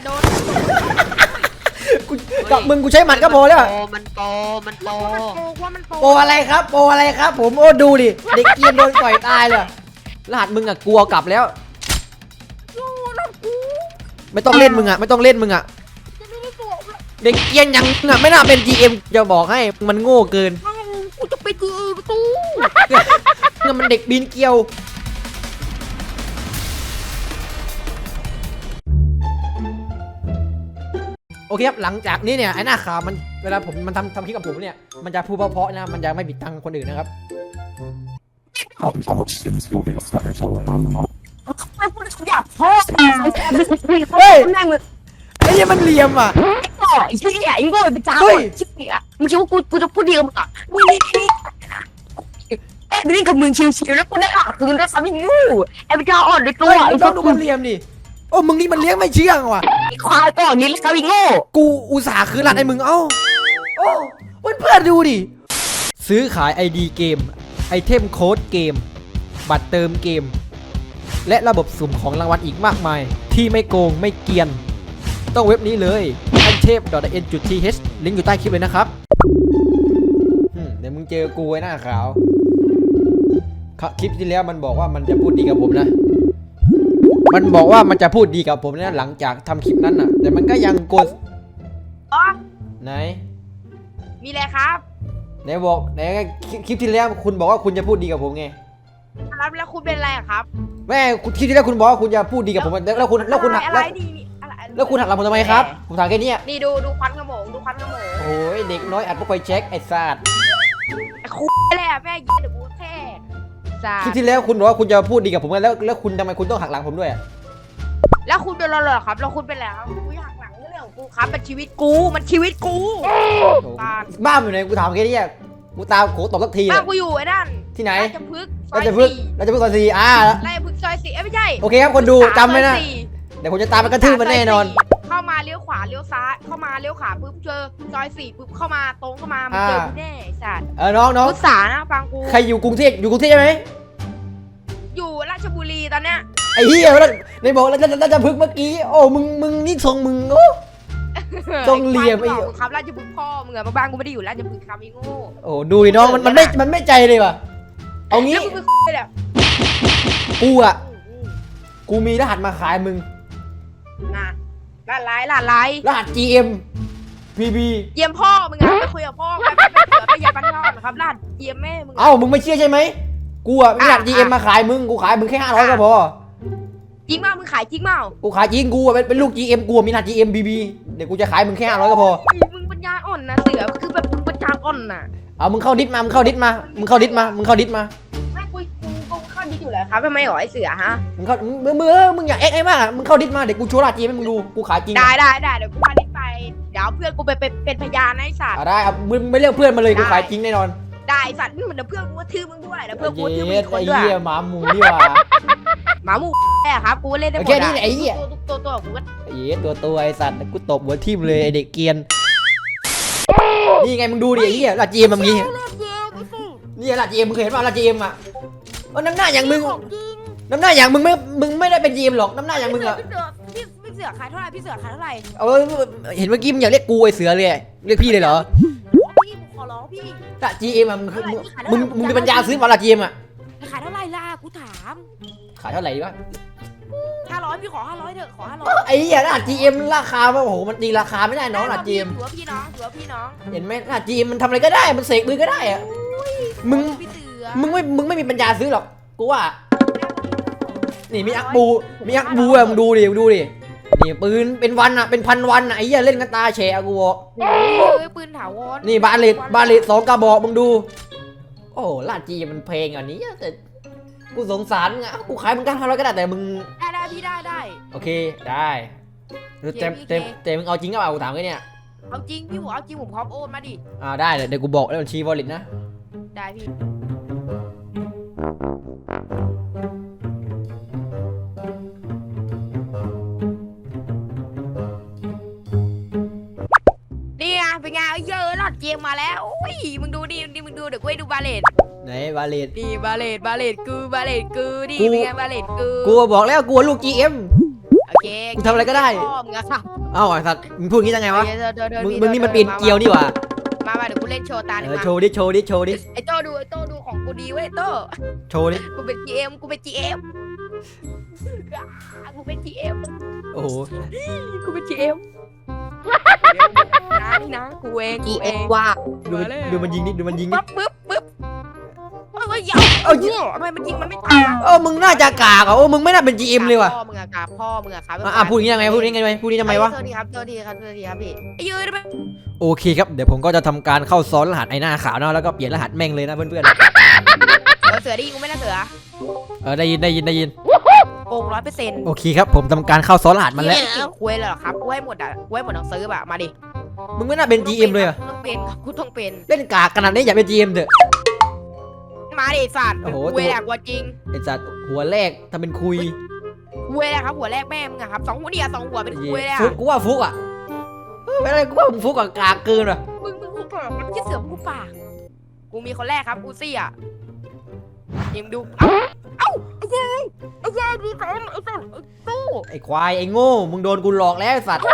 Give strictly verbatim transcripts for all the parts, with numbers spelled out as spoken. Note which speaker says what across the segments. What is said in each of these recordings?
Speaker 1: โดน
Speaker 2: กูกับมึงกูใช้หมัดก็พอแล้ว
Speaker 3: มันโตมันโต
Speaker 1: ว่ามันโป
Speaker 2: โปอะไรครับโปอะไรครับผมโอ้ดูดิเด็กเกียนโดนต่อยตายเลยรหัสมึงอะกลัวกลับแล้วไม่ต้องเล่นมึงอะไม่ต้องเล่นมึงอะเด็กเกียนยังอะไม่น่าเป็น จี เอ็ม จะบอกให้มันโง่เกิน
Speaker 1: กูจะไปจีประตู
Speaker 2: เนี่ยมันเด็กบินเกียวโอเคครับหลังจากนี้เนี่ยไอ้หน้าขาวมันเวลาผมมันทำทำคลิปกับผมเนี่ยมันจะพูดเพราะๆนะมันจะไม่บิดตังคนอื่นนะครับ
Speaker 1: อยากพ่อ
Speaker 2: เฮ้ยไอ้ยังมันเหลี่ยมอ่ะ
Speaker 1: ต่อไอ้เชี่ยไอ้โง่เป็นจ้าชิบเหี้ยมึงคิดว่ากูกูจะพูดดีกับมึงอ่ะมึงนี่เล่นกับมึงชิวๆแล้วกูได้อ่ะคือมึงได้ซ้ำอีกงูไอ้เป็นจ้าอ่อนในตัว
Speaker 2: ไอ้ต้องดูมันเหลี่ยมดิโอ้มึงนี่มันเลี้ยงไม่เชื่องว่ะ
Speaker 1: ไอ้ควายก่อนนี้แล้วซ้ำอีกงู
Speaker 2: กูอุตส่าห์คืนหลัดไอ้มึงเอ้าโอ้เพื่อนๆดูดิซื้อขาย ไอ ดี เกมไอเทมโค้ดเกมบัตรเติมเกมและระบบสุ่มของรางวัลอีกมากมายที่ไม่โกงไม่เกียนต้องเว็บนี้เลยอันเทพ .in.th ลิงก์อยู่ใต้คลิปเลยนะครับเดี๋ยวมึงเจอกูไอ้หน้าขาวคลิปที่แล้วมันบอกว่ามันจะพูดดีกับผมนะมันบอกว่ามันจะพูดดีกับผมนะหลังจากทำคลิปนั้นน่ะแต่มันก็ยังโกน
Speaker 1: อ๋อ
Speaker 2: ไหน
Speaker 1: มีอะไรครับ
Speaker 2: ไหนบอกไหนคลิปที่แล้วคุณบอกว่าคุณจะพูดดีกับผมไง
Speaker 1: แล้วแล้วคุณเป็นอะไรครับ
Speaker 2: แม่คลิปที่แล้วคุณบอกว่าคุณจะพูดดีกับผมแล้วคุณแล้วคุณหักแล้วแล้วคุณหักหลังผมทำไมครับผมถามแค่นี้
Speaker 1: นี่ดูดูควันขโมงดูควันขโมง
Speaker 2: โอ้ยเด็กน้อยอัดพวกไปเช็คไอ้ซาด
Speaker 1: ไอ้คุยเลยอ่ะแม่ยิงเดี๋ยวกูแท้
Speaker 2: คลิปที่แล้วคุณบอกว่าคุณจะพูดดีกับผมแล้วแล้วคุณทำไมคุณต้องหักหลังผมด้วย
Speaker 1: แล้วคุณเป็นอะไรครับแล้วคุณเป็นอะไรครับกูหักหลังเรื่องของกูครับมันชีวิตกูมันชีวิตกู
Speaker 2: บ้าอยู่ไหนกูถามแค่นี้กูตามโขตบสักที
Speaker 1: บ้ากูอยู่ไอ้นั่น
Speaker 2: ที่ไหน
Speaker 1: ราชพฤกษ์
Speaker 2: ราชพฤกษ์ราชพฤกษ์ซอยสี่อ่า
Speaker 1: ราชพฤกษ์ซอยสี่ไม่ใช่
Speaker 2: โอเคครับคนดูจำไว้นะเดี๋ยวผมจะตามไปกระทืบมันแน่นอน
Speaker 1: เข้ามาเลี้ยวขวาเลี้ยวซ้ายเข้ามาเลี้ยวขวาปุ๊บเจอซอยสี่ปุ๊บเข้ามาตรงเข้ามามันเจอกูแน่สัตว์
Speaker 2: เออน้องน้อง
Speaker 1: พุทธานะฟังกู
Speaker 2: ใครอยู่กรุงเทพอยู่กรุงเทพใช่ไหม
Speaker 1: อยู่ราชบุรีตอนเนี้ย
Speaker 2: ไอ้เหี้ยในบอกแล้วราชพฤกษ์เมื่อกี้โอ้มึงมึงนี่ทรงมึงโอ้ทรงเหลี่ยมไอ้
Speaker 1: ครับราชพฤกษ์พ่อมึงอะบ้านกูไม่ได้อยู่ราชพฤกษ์ครับไอ้โง่
Speaker 2: โอ้ดูน้องมันมันไม่มันไม่ใจเลยว่ะเอางี้กูอะกูมีรหัสมาขายมึง
Speaker 1: นะรหัสไลน์รหัสไลน์
Speaker 2: รหัส จี เอ็ม พี บี
Speaker 1: เยี่ยมพ่อมึงอะไปคุยกับพ่อไปไปเสือไปยาปันทอดนะครับรหัสเยี่ยมแม่มึง
Speaker 2: เอ้ามึงไม่เชื่อใช่ไหมกูอะมีรหัส จี เอ็ม มาขายมึงกูขายมึงแค่ห้าร้อยก็พอ
Speaker 1: จริงเปล่ามึงขายจริงเปล่า
Speaker 2: กูขายจริงกูเป็นเป็นลูก จี เอ็ม กูมีรหัส จี เอ็ม พี บี เดี๋ยวกูจะขายมึงแค่ห้าร้อยก็พอ
Speaker 1: มึงปัญญาอ่อนนะเสือคือแบบมึงปัญญาอ่อนน่ะ
Speaker 2: เอามึงเข้าดิสมามึงเข้าดิสมามึงเข้าดิสมามึงเข้าดิสมา
Speaker 1: ไม่กูกูเข้าดิสอยู่แล้วครับทำไมหรอไอเสือฮะ
Speaker 2: มึงเข้ามึงมึงมึงอย่าเอ็กไอ้มากมึงเข้าดิสมาเดี๋ยวกูโชว์รหัส จี เอ็ม ให้มึงดูกูขายจริง
Speaker 1: ได้ได้ได้เดี๋ยวกูเข้าดิสไปเดี๋ยวเพื่อนกูไปเป็นเป็นพยานไอ้สัตว์
Speaker 2: ได้ครับมึงไม่เรียกเพื่อนมาเลยกูขายจริงแน่นอน
Speaker 1: ได้สัตว์นี่เหมือนเพื่อนกูว่าทื่อมึงด้วยแล้วเพื่อนกูทื่อมึงคนด้วย
Speaker 2: ไอ้เหี้ยหมาหมูนี่ว่ะ
Speaker 1: หมาหมูแน่ครับกูเล่นได้หมด
Speaker 2: แค่นี้ไอ้เหี้ย
Speaker 1: ตัวตัวกูก็
Speaker 2: ไอ้เหี้ยตัวตัวไอ้สัตว์กูตบหัวทิ่มเลยไอ้เด็กเกียนนี่ไงมึงดูดิไอ้เหี้ยลาจีเอ็มแบบนี้นี่ลาจีเอ็มมึงเคยเห็นป่ะลาจีเอ็มอ่ะน้ำหน้าอย่างมึงน้ำหน้าอย่างมึงไม่มึงไม่ได้เป็นจีเอ็มหรอกน้ำหน้าอย่างมึงอ่ะ
Speaker 1: พี่พี่เสือขายเท่าไหร่พี่เสือขายเท่าไหร่
Speaker 2: เออเห็นเมื่อกี้มึงอยากเรียกกูไอ้เสือเลยเรียกพี่เลยเหรอ
Speaker 1: พี่ขอร้องพี่
Speaker 2: ลาจีเอ็มอ่ะมึงมึงมีปัญญาซื้อมาลาจีเอ็มอ่ะ
Speaker 1: ขายเท่าไหร่ล่ะกูถาม
Speaker 2: ขายเท่าไหร่วะ
Speaker 1: ห้าร้อยพี่ขอห้าร้อยเถอะขอห้าร้อย
Speaker 2: ไอ้เหี้ยรหัส จี เอ็ม ราคาโอ้โหมันตีราคาไม่ได้น้องรหัส จี เอ็ม
Speaker 1: ถือว่าพี่น้องถือว่าพี่น้อง
Speaker 2: เห็นไหมรหัส จี เอ็ม มันทำอะไรก็ได้มันเสกมือก็ได้อะมึงมึงไม่มึงไม่มีปัญญาซื้อหรอกกูว่านี่มีอักบูมีอักบูอะมึงดูดิมึงดูดินี่ปืนเป็นวันอะเป็นพันวันอะไอ้เหี้ยเล่นกันตาแฉะกูบอก
Speaker 1: ปืนถาวร
Speaker 2: นี่บาเลตบาเลตสองกระบอกมึงดูโอ้รหัส จี เอ็ม มันเพลงอันนี้แต่กูสงสารไงกูขายมึงกันทำอะไรก็ได้แต่มึง
Speaker 1: ได้ได้พี่ได้ได้
Speaker 2: โอเคได้แต่แต่แต่มึงเอาจริงก็เอาถามแค่เนี้ย
Speaker 1: เอาจริงพี่หัวเอาจริงผมพร้อมโอนมาดิ
Speaker 2: อ่าได้เดี๋ยวกูบอกแล้วบัญชีวอลเล็ตนะ
Speaker 1: ได้พี่นี่ไงเป็นไงเยอะหลอดเกมมาแล้วโอ้ยมึงดูดิดิมึงดูเดี๋ยวกูให้ดูบาเลต
Speaker 2: ไหนบาเลต
Speaker 1: ดีบาเลตบาเลตกูบาเลตกูดีเป็นไงบาเลตกู
Speaker 2: กูบอกแล้วกูลูก จี เอ็ม
Speaker 1: โอเค
Speaker 2: กูทำอะไรก็ได้
Speaker 1: พ่อมึงอะครับ
Speaker 2: เอ้าไอ้สัตว์มึงพูดอย่างนี้ได้ไงวะ
Speaker 1: เดินเดินเดิน
Speaker 2: มึง
Speaker 1: พี่
Speaker 2: มึงนี่มัน
Speaker 1: ดิ
Speaker 2: ปีนเกลียวนี่หว่า
Speaker 1: มามาเดี๋ยวกูเล่นโชว์ตาห
Speaker 2: เอ
Speaker 1: นึ่ง
Speaker 2: อ
Speaker 1: มา
Speaker 2: โชว์ดิโชว์ดิโชว์ดิ
Speaker 1: ไอ้โต้ดูไอ้โต้ดูของกูดีเว้ยโต้
Speaker 2: โชว์ดิ
Speaker 1: กูเป็น จี เอ็ม กูเป็น จี เอ็ม กูเป็น จี เอ็ม
Speaker 2: โอ้โห
Speaker 1: กูเป็น จี เอ็ม นะนี่นะกูเองกูเอง
Speaker 3: ว่า
Speaker 2: ดูมันดูมันยิงนิดดูมันยิงนิ
Speaker 1: ปึ๊
Speaker 2: ด
Speaker 1: บปึ๊บปึ๊บเฮ้ยอย่า
Speaker 2: เอ้า
Speaker 1: เหี้ยทำไมมันยิงมันไม่ตายวะ
Speaker 2: เออมึงน่าจะกากอ่ะโอ้มึงไม่น่าเป็น จี เอ็ม เลยว่ะ
Speaker 1: พ่อมึงอะกราบพ่อมึงอะครับ
Speaker 2: อ่ะอ่ะพูดอย่างนี้ยังไงพูดอย่างนี้ยังไงพูดอย่างนี้ทำไมวะ
Speaker 1: สวัสดีครับสวัสดีครับสวัสดีครับพี่ไอ้ยืนได้ไหม
Speaker 2: โอเคครับเดี๋ยวผมก็จะทำการเข้าซ้อนรหัสไอ้หน้าขาวนะแล้วก็เปลี่ยนรหัสแม่งเลยนะเพื่อน
Speaker 1: เออเสือได้ยินกูไหม่น่าเสือ
Speaker 2: ๆเออได้ยินได้ยินได้ยิน
Speaker 1: โกงร้อยเปอร์เซ็นต์
Speaker 2: โอเคครับผมทำการเข้าซ้อนรหัสมันแล้ว
Speaker 1: เก่งคุยเลยเหรอครับกูให้หมดอ่ะกูให้หมดหนังสือแบบมาดิ
Speaker 2: มึงไม่น่าเป็น จี เอ็ม เลยอ่ะ
Speaker 1: กูต้องเป็นครับกูต้องเป็น
Speaker 2: เล่นกากขนาดนี้อย่าเป็น จี เอ็ม เถอะ
Speaker 1: มาดิสัตว์
Speaker 2: โอ้โห
Speaker 1: คุยแหละกว่าจริง
Speaker 2: ไอ้สัตว์หัวแรกทำเป็นคุย
Speaker 1: คุยแหละครับหัวแรกแม่มึงอะครับสองหัวเดียวสองหัวเป็นคุยเลย
Speaker 2: ฟุ
Speaker 1: อะ
Speaker 2: กกูว่าฟุกอ่ะเออไม่ได้กูว่ามึงฟุกกับกากเกินว่ะ
Speaker 1: มึงมึงกูปากมันจะเสือมกูปากกูมีคนแรกครับอูซี่อ่ะยิงดูเอ้าเอ้าไอ้เจ้ยไอ้เจ้ยดีสองไอ้สัตว์ไอ้ตู้
Speaker 2: ไอ้ควายไอ้โง่มึงโดนกูหลอกแล้วไอ้สัตว์
Speaker 1: กู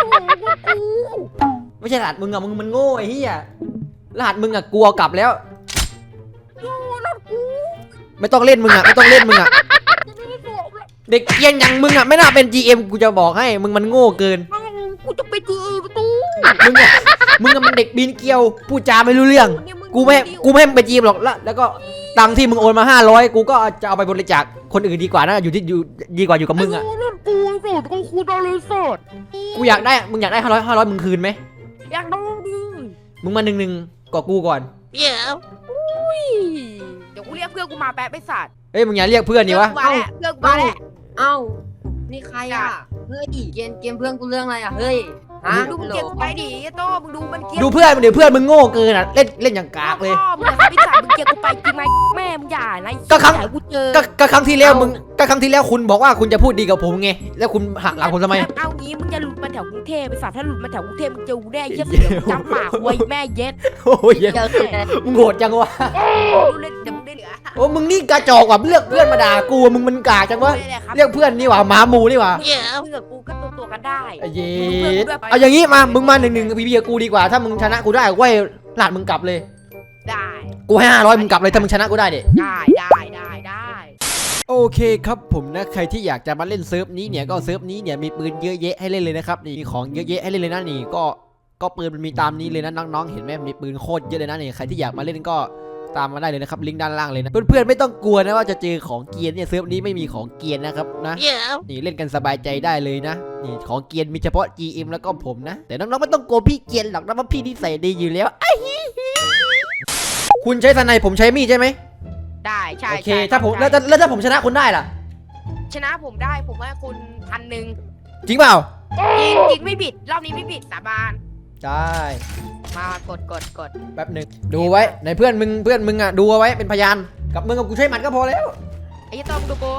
Speaker 2: ไม่ใช่รหัสมึงอ่ะมึงมันโง่ไอ้เหี้ยรหัสมึงอ่ะกูเอากลับแล้ว
Speaker 1: กูนั่นกู
Speaker 2: ไม่ต้องเล่นมึงอ่ะไม่ต้องเล่นมึงอ่ะ
Speaker 1: จะไม่ได้บอกเลย
Speaker 2: เด็กเกรียนอย่างมึงอ่ะไม่น่าเป็น จี เอ็ม กูจะบอกให้มึงมันโง่เกิน
Speaker 1: กูจะไปจีประตู
Speaker 2: มึงอ่ะมึงอ่ะมันเด็กบินเกลียวพูดจาไม่รู้เรื่อง
Speaker 1: เนี่ยง
Speaker 2: กูไม่ให้กูไม่ให้มึงไป จี เอ็ม หรอกแล้วแล้วก็ตังค์ที่มึงโอนมาห้าร้อยกูก็จะเอาไปบริจาคคนอื่นดีกว่านะอยู่ที่อยู่ดีกว่าอยู่กับมึงอ่ะ
Speaker 1: กูนั่นกูสุดกูคูดาเลยสด
Speaker 2: กูอยากได้มึงอยากได้ห้าร้อยห้าร้อยมึงคืนไหม
Speaker 1: อยากดูดิ
Speaker 2: มึงมาหนึ่งหนึ่งกอกูก่อน
Speaker 3: เดี๋ยว
Speaker 1: อุ้ยเดี๋ยวกูเรียกเพื่อนกูมาแป๊บไปสัตว์
Speaker 2: เอ้ยมึงอย่าเรียกเพื่อนนี่วะ
Speaker 1: เพื่อนกูมาแหละเพื่อนกูมาแหละ
Speaker 3: เอ้านี่ใครอ่ะเฮ้ยเกมเกมเพื่อนกูเรื่องอะไรอ่ะเฮ้ยฮะ
Speaker 1: ดูมึงเก็บไปดิไอ้โต้มึงดูมันเก็บ
Speaker 2: ดูเพื่อนเดี๋ยวเพื่อนมึงโง่เกินอ่ะเล่นเล่นอย่างกากเลย
Speaker 1: พ่อมึงอะพี่สัตว์มึงเก็บกูไปจริงไหมแม่มึงอย่านะ
Speaker 2: ก็ครั้ง
Speaker 1: อย่าให้กูเจอ
Speaker 2: ก็ก็ครั้งที่แล้วมึงก็ครั้งที่แล้วคุณบอกว่าคุณจะพูดดีกับผมไงแล้วคุณหักหลังผมทำไม
Speaker 1: เอางี้มึงจะหลุดมาแถวกรุงเทพไปสัตว์ถ้าหลุดมาแถวกรุงเทพมึงเจอกูแน่เหี้ยเสือมึงจำปากไว้แม่เย็ด
Speaker 2: โอ้ย
Speaker 3: เดี๋ยวเสร็จ
Speaker 2: มึงโหดจังวะ
Speaker 1: ดูเล่นเดี๋ยวมึงได้เหลือ
Speaker 2: โอ้มึงนี่กระจอกว่ะเลือกเพื่อนมาด่ากูมึงมันกากจังวะ
Speaker 1: ไม่ได้ครับ
Speaker 2: เรียกเพื่อนนี่หว่าหมาหมูนี่หว่า
Speaker 3: เดี๋ยว
Speaker 1: มึงกับกูก็ตัวตัวกันได้
Speaker 2: ไอ้เย็ดเอาอย่างงี้มามึงมาหนึ่งหนึ่งพีพีกับกูดีกว่าถ้ามึงชนะกูได้กูให้หลาดมึงกลับเลย
Speaker 1: ได้
Speaker 2: กูให้ห้าร้อยมึงกลับเลยถ้ามึงชนะกูได้เด็
Speaker 1: ได้ได้ได้ได้
Speaker 2: โอเคครับผมนะใครที่อยากจะมาเล่นเซิร์ฟนี้เนี่ยก็เซิร์ฟนี้เนี่ยมีปืนเยอะแยะให้เล่นเลยนะครับนี่มีของเยอะแยะให้เล่นเลยนะนี่ก็ก็ปืนมันมีตามนี้เลยนะน้องๆเห็นไหมมีปืนโคตรเยอะเลยนะนี่ใครที่อยากมาเล่นก็ตามมาได้เลยนะครับลิงก์ด้านล่างเลยนะเพื่อนๆไม่ต้องกลัวนะว่าจะเจอของเกียร์เนี่ยเซิร์ฟนี้ไม่มีของเกียร์นะครับนะ
Speaker 3: เดี๋ยว
Speaker 2: นี่เล่นกันสบายใจได้เลยนะนี่ของเกียร์มีเฉพาะ จี เอ็ม แล้วก็ผมนะแต่น้องๆไม่ต้องกลัวพี่เกียร์หรอกนะว่าพี่นิสัยดีอยู่แล้วไอ้คุณใช้สไนผมใช้มีดใช่ไหม
Speaker 1: ได้ใช่
Speaker 2: โอเค
Speaker 1: ใช่
Speaker 2: ถ้าผม
Speaker 1: ใช่
Speaker 2: แล้วถ้าแล้วถ้าผมชนะคุณได้ล่ะ
Speaker 1: ชนะผมได้ผมให้คุณพันหนึ่ง
Speaker 2: จริงเปล่า
Speaker 1: จริงจริงไม่ผิดรอบนี้ไม่ผิดสาบาน
Speaker 2: ใช่
Speaker 1: มากดกดกด
Speaker 2: แป๊บหนึ่งดูไว้ในเพื่อนมึงเพื่อนมึงอ่ะดูเอาไว้เป็นพยานกับมึงกับกูใช้หมัดก็พอแล้ว
Speaker 1: ไอ้ยี่ต้อมงดูกู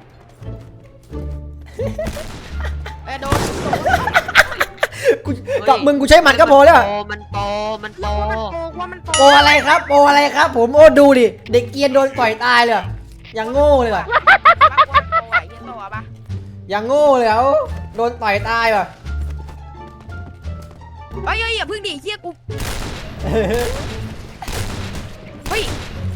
Speaker 1: เอ้ยโดน
Speaker 2: กูกับมึงกูใช้หมัดก็พอแล้วอะ
Speaker 3: โปมันโปมันโป
Speaker 1: ว่ามันโกงว่ามันโกง
Speaker 2: โปรอะไรครับโปรอะไรครับ ผมโอ้ดูดิเด็กเกรียนโดนต่อยตายเลยอะอย่างโง่เลยว่ะ
Speaker 1: ว่ามันโกงไอ้ยี่ต้อปะ
Speaker 2: อย่างโง่เลยอ่ะโอ้โดนต่อยตายว่ะ
Speaker 1: เฮ้ยเฮ้ยอย่าพึ่งดิเฮียกูเฮ้ย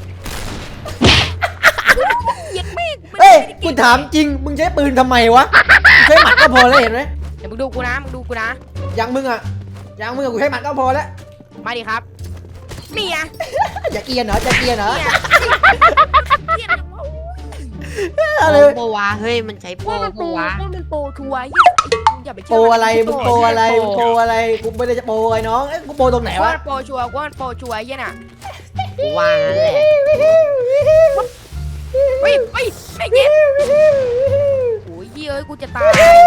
Speaker 1: เหยียดไม่งมัน
Speaker 2: เฮ้ย
Speaker 1: ไม่ได้
Speaker 2: กู
Speaker 1: เง
Speaker 2: ถามจริงมึงใช้ปืนทำไมวะมึงใช้หมัดก็พอแล้วเห็นไหม
Speaker 1: เดี๋ยวมึงดูกูนะมึงดูกูนะ
Speaker 2: อย่างมึงอ่ะอย่างมึงอะกูใช้หมัดก็พอแล้ว
Speaker 1: มาดิครับนี่ไง
Speaker 2: อย่าเกรียนเหรอจะเกรียนเหรอ
Speaker 1: เนี่ยเฮีย
Speaker 2: อะไร
Speaker 3: โปวะเฮ้ยมันใช้โป
Speaker 1: ว่ามันโป
Speaker 3: โปวะ
Speaker 1: ว่ามันโปชัวร์เหี้ยอย่าไป
Speaker 2: โป
Speaker 1: เชื่
Speaker 2: ร
Speaker 1: อ
Speaker 2: อะไร
Speaker 1: มัน
Speaker 2: มึงโปรอะไรมึงโปรอะไรกูไม่ได้จะโปรไอ้น้องเอ้ยกูโปรตรงไหน
Speaker 1: ว่าว
Speaker 2: ะ
Speaker 1: มันโปชัวร์ว่ามันโปชัวร์ไอ้เหี้ยน่ะ
Speaker 3: กูว่างั้นแหละ
Speaker 1: เฮ้ยเฮ้ยไอ้เหี้ยโอ้ยเหี้ยเอ้ยกูจะตาย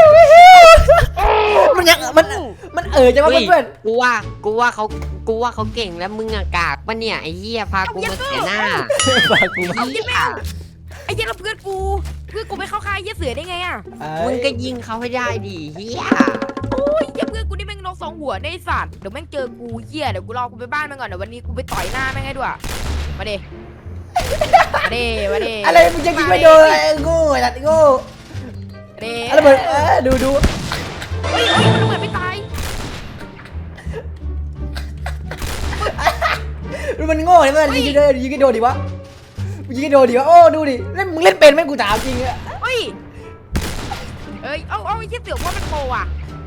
Speaker 2: มันยังมันมันเออจังวะ
Speaker 3: เฮ้ย
Speaker 2: เพื่อน
Speaker 3: กูว่ากูว่าเขากูว่าเขาเก่งแล้วมึงอะกากปะเนี่ยไอ้เหี้ยพากูมาเสียหน้า
Speaker 2: ๆฝากกูมา
Speaker 1: เอาเหี้ยแม่งไอ้เหี้ยแล้วเพื่อนกูเพื่อนกูไม่เข้าค่ายเหี้ยเสือได้ไงอ่ะ
Speaker 2: เอ้
Speaker 3: มึ
Speaker 2: ย
Speaker 3: งก็ยิงเขาให้ได้ดิเหี้ย
Speaker 1: โอ้ยเหี้ยเพื่อนกูนี่แม่งนกสองหัวได้สัตว์เดี๋ยวแม่งเจอกูเหี้ยเดี๋ยวกูรอกูไปบ้านแม่งก่อนเดี๋ยววันนี้กูไปต่อยหน้าแม่งให้ด้วยมาดิมาดิมาดิ
Speaker 2: อะไรมึงจะยิงไม่โดนอะไรโง่ไอ้สัตว์โง่
Speaker 1: นี่
Speaker 2: อะไรเบิดเออดูดู
Speaker 1: เฮ้ยเฮ้ยมันระเบิดไม่ตาย
Speaker 2: ดูมันโง่เลยมันยิงกันเลยยิงกันโดนดิวะยิงกันโดนดิวะโอ้ดูดิเล่นมึงเล่นเป็นไหมกูถามจริงอะ
Speaker 1: เฮ้ยเอ้ยเอาเอาไอ้เชี่ยเสือว่ามันโปรอ่ะ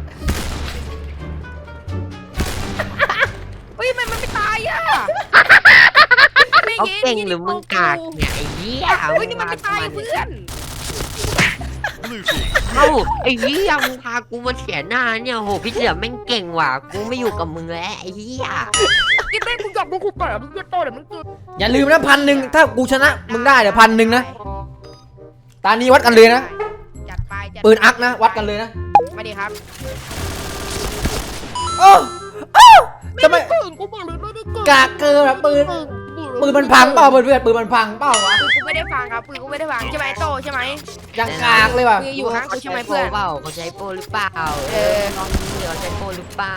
Speaker 1: เฮ้ยมันมันไม่ตายอ่ะ
Speaker 3: เขาเก่งหรือมึงกากเนี่ยไอ้เหี้ย
Speaker 1: เฮ้ยนี่มันไม่ตายเพื่อน
Speaker 3: เอ้าไอ้เหี้ยมึงพากูมาเสียหน้าเนี่ยโหพี่เสือแม่งเก่งว่ะกูไม่อยู่กับมึงแล้วไอ้เหี้ย
Speaker 1: กินแม่งกูจับมึงกูเปิดมึงจะโตเดี๋ยวมึงกิน
Speaker 2: อย่าลืมนะพันหนึ่งถ้ากูชนะมึงได้เดี๋ยวพันหนึ่งนะตานี้วัดกันเลยนะ
Speaker 1: จัดไปจัด
Speaker 2: ปืนอักนะวัดกันเลยนะ
Speaker 1: มาดิครับ
Speaker 2: โอ้โอ้ทำไม
Speaker 1: เก่งกูบอกเลยไม่ได้เก่ง
Speaker 2: กากเกินอะปืนปืนมันพังเปล่าเพื่อนเพื่อนปืนมันพังเปล่าวะ
Speaker 1: ปืนกูไม่ได้ฟังครับปืนกูไม่ได้ฟังใช่ไหมโตใช่ไหม
Speaker 2: ยังกากเลยว่ะ
Speaker 1: มึงอยู่ข้างกูใช่ไหมเพื่อน
Speaker 3: เปล่าเขาใช้โปรหรือเปล่า
Speaker 1: เออ
Speaker 3: ลองดูเดี๋ยวใช้โปรหรือเปล่า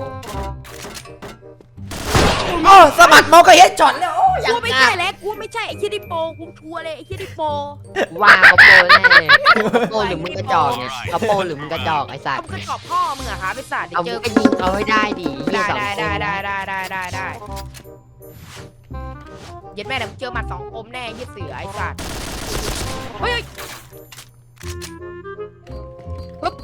Speaker 2: โอ้สะบัดเมาส์ก็เฮ็ดช็อตแล้วโอ้ยั
Speaker 1: กู
Speaker 2: ง
Speaker 1: ไม่
Speaker 2: กา
Speaker 1: ใช่
Speaker 2: ก
Speaker 1: แล้วกูไม่ใช่ไอ้เชี่ยดิโปกูชัวร์เลยไอ้เชี่ยดิโป
Speaker 3: ว่าเขาโปรแน่เขาโปรหรือมึงกระจอกเนี่ยเขาโปรหรือมึงกระจอกไอ้สัต
Speaker 1: เขา
Speaker 3: ว์
Speaker 1: ขึ้นกรอบพ่อมึงอะครับไอ้สัตว์เดี๋ย
Speaker 3: เอา
Speaker 1: วเจ
Speaker 3: มึ
Speaker 1: อง
Speaker 3: ก็ยิงเขาให้ได้ดิเหี้ย
Speaker 1: ได้
Speaker 3: สอง
Speaker 1: ได้
Speaker 3: คน
Speaker 1: ได้ได้ได้ได้ได้ได้เย็ดแม่เดี๋ยวมึงเจอหมัดสองคมแน่ยี่เสือไอ้สัตว์เฮ้ยปึ๊บ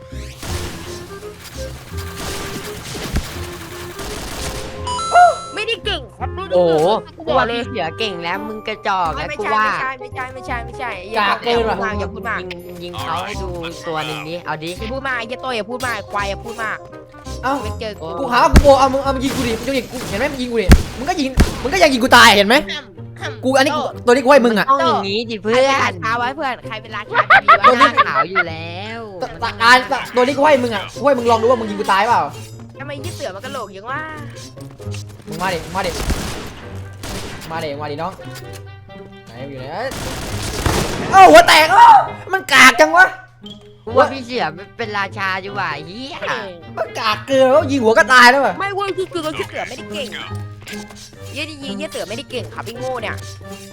Speaker 1: ไม่ได้เก่งครับดูดู
Speaker 3: โอ้โห
Speaker 1: กู
Speaker 3: กู
Speaker 1: บอก
Speaker 3: ว่า
Speaker 1: เลย
Speaker 3: พี่เสือเก่งแล้วมึงกระจอกแล้ว
Speaker 1: ไม่
Speaker 3: กู
Speaker 1: ใช่
Speaker 3: ว่า
Speaker 1: ไม่ใช่ไม่ใช่ไม่ใช่ไม่ใช่
Speaker 2: กากเกินว่ะ
Speaker 1: อย่าพูดมาก
Speaker 3: ยิงยิงเขาให้ดูตัวหนึ่งนี้เอาดิ
Speaker 1: อย่าพูดมากอย่าโตอย่าพูดมากควายอย่าพูดมาก
Speaker 2: เอ้า
Speaker 1: ไม่เจอกู
Speaker 2: กูหาว่ากูโบเอามึงเอามึงยิงกูดิมึงจะยิงกูเห็นไหมมึงยิงกูดิมึงก็ยิงมึงก็ยังยิงกูตายเห็นไหมกูอันนี้กูตัวนี้กูให้มึงอ่ะ
Speaker 3: ต้องอย่างนี้ดิ
Speaker 1: เพื่
Speaker 3: เพื่
Speaker 1: อ
Speaker 3: อน น
Speaker 1: ช้าไว้เพื่อนใครเป็นราชาดี
Speaker 3: ตัว
Speaker 1: วะ
Speaker 3: นี้ขาวอยู่แล้ว
Speaker 2: ตตการตัวนี้กูให้มึงอ่ะกูให้มึงลองดูว่ามึงยิงกูตายเปล่า
Speaker 1: ทำไมยี่เสือมันกระโหลกยังว่า
Speaker 2: มึงมาดิมาดิมาดิมาดิน้องไหนอยู่ไหนเอ้าหัวแตกเอ้ามันกากจังวะ
Speaker 3: กูว่าพี่เสือเป็นราชาอยู่ว่ะเฮีย
Speaker 2: มันกากเกินแล้วยิงหัวก็ตายแล้วว่ะ
Speaker 1: ไม่เว้ยที่คือยี่เสือไม่ได้เก่งยี่ดียี่เสือไม่ได้เก่งครับพี่โง่เนี่ย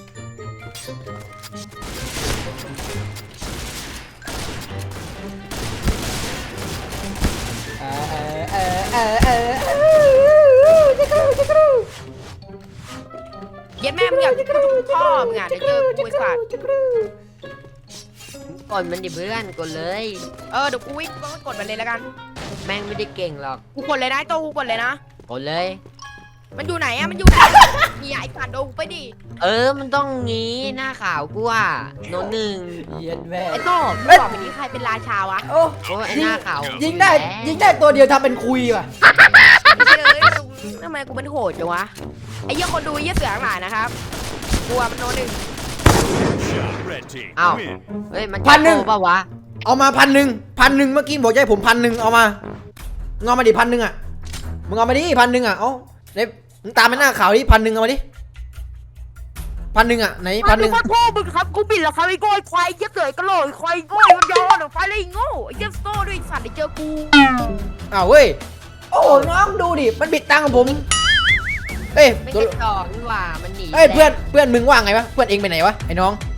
Speaker 2: เออเออเออเออเออจะกรูจะกรู
Speaker 1: เย็ดแม่มึงอยากกูจะพ่อมึงอ่ะเดี๋ยวเจอกูไอ้สัตว์
Speaker 2: จะกรู
Speaker 3: กดมันดิเพื่อนกดเลย
Speaker 1: เออเดี๋ยวกูวิ่งก็กดมันเลยแล้วกัน
Speaker 3: แม่งไม่ได้เก่งหรอก
Speaker 1: กูกดเลยนะโตกูกดเลยนะ
Speaker 3: กดเลย
Speaker 1: มันอยู่ไหนอะมันอยู่ไหนนี่ไอ้สัตว์โดนกูไปดิ
Speaker 3: เออมันต้องงี้หน้าขาวกูอ่ะโนนหนึ่ง
Speaker 2: เย็นแม่
Speaker 1: ไอ้โตมึงบอกไปนี้ใครเป็นราชาวะ
Speaker 2: โอ้
Speaker 3: โอ้ยไอ้หน้าขาว
Speaker 2: ยิงได้ยิงได้ตัวเดียวทำเป็นคุยว่ะ
Speaker 1: ไม่ใช่เลยทำไมกูเป็นโหดจังวะไอ้เหี้ยคนดูยี่เสือทั้งหลายนะครับกลัวมันโนหนึ่ง
Speaker 4: Red team
Speaker 3: อ้าว
Speaker 4: win.
Speaker 3: เฮ้ยมันจะโกงปะวะ
Speaker 2: เอามาพันหนึ่งพันหนึ่งเมื่อกี้บอกจะให้ผมพันหนึ่งเอามามึงเอามาดิพันหนึ่งอ่ะมึงเอามาดิพันหนึ่งอ่ะเอ้าเด็มึงตามไปหน้าข่าวดิพันหนึ่งเอามาดิพันหนึ่งอ่ะไหนพันหนึ่ง
Speaker 1: ขอโทษมึงครับกูบิดแล้วครับไอ้โง่ไอ้ควายไอ้เหี้ยเสือกระโหลกไอ้ควายโง่ไอ้มันยอหรือไฟอะไรโง่ไอ้เหี้ยโซ่ด้วยไอ้สัตว์ไอ้เจอกู
Speaker 2: อ้าวเว้ยโอ้น้องดูดิมันบิดตังค์ของผมเอ้ย
Speaker 3: ไม่
Speaker 2: ตัว
Speaker 3: กระจอกนี่หว่ามันหนี
Speaker 2: เอ้ยเพื่อนเพื่อนมึงว่าไงวะเพื่อนเองไปไหนวะไอ้น้อง